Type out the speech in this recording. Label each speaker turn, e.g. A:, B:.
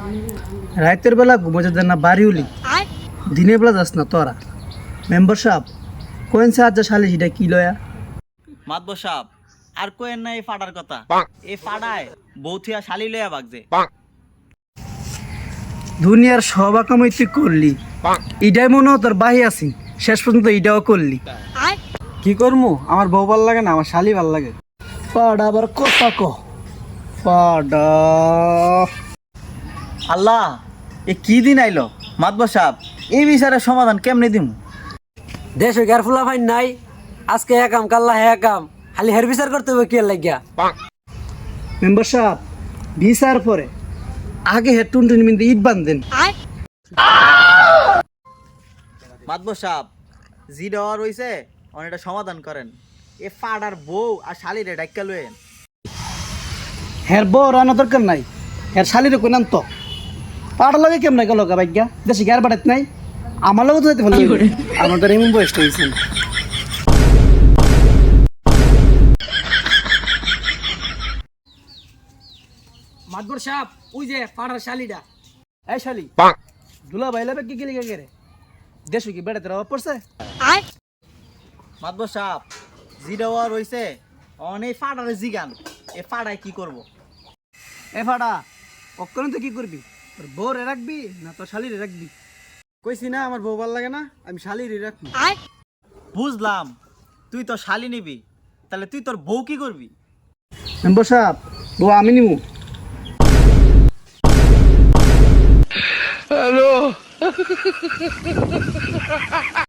A: রাতের বেলা ঘুমোতে দেন না বাড়ি উলি, দিনের বেলা যাস না তোরা। মেম্বার সাহেব কোয়েন সাহায্য শালি সেটা কি লয়া?
B: মাতব সাপ আর কোয়েন না এই ফাটার কথা। এই ফাটায় বৌথিয়া শালি লইয়া বাগছে।
A: দুনিয়ার সব কামাই তুই করলি, ইডাই মনে হয় তোর বাহি আছি, শেষ পর্যন্ত ইটাও করলি।
C: কি করমু? আমার বউ ভাল লাগে না, আমার শালি ভাল লাগে।
A: পাড়া আবার কথা ক পাড়া।
B: আল্লাহ এ কি দিন আইলো মাতব সাপ, এই বিচারের সমাধান কেমনে দিমু?
C: দেশ গার ফুলা ভাই নাই, আজকে একাম কাল্লা হে একাম, খালি হের বিচার করতে হবে কি লাগিয়া।
A: মেম্বার সাহেব ভিসার পরে আগে হেড টুনটুনি মিনতে ইট বান্ধেন।
B: মাতব সাপ জি দেওয়া রইছে অনেকটা সমাধান করেন। এ ফাটার বউ আর শালিরে ডাক্কা লয়েন।
A: হের বউ রানা দরকার নাই, হের শালিরে কইনান তো পাড়ার লগে কেমন গেল ভাগ্যা, দেশে গার বাড়াত নাই, আমার লগে তো যেতে ভালো আমাদের এমন বয়সটা হয়েছে।
C: মাদবর সাহেব ওই যে পাড়ার শালিটা।
A: এই শালি দুলা ভাই লাবে কি গেলি গে? দেশে কি বেড়াতে অভাব পড়ছে?
B: মাতব সাপ জি দেওয়া রইছে অনেক ফাটারে জিগান, এ ফাটায় কি করব?
A: এ ফাড়া অক্ষণ তো কি করবি? তোর বউরে রাখবি না তোর শালিরে রাখবি?
C: কইছি না আমার বউ ভাল লাগে না, আমি শালিরই রাখবো।
B: বুঝলাম তুই তো শালি নিবি, তাহলে তুই তোর বউ কি করবি?
A: মেম্বার সাহেব বউ আমি নিমু।
D: হ্যালো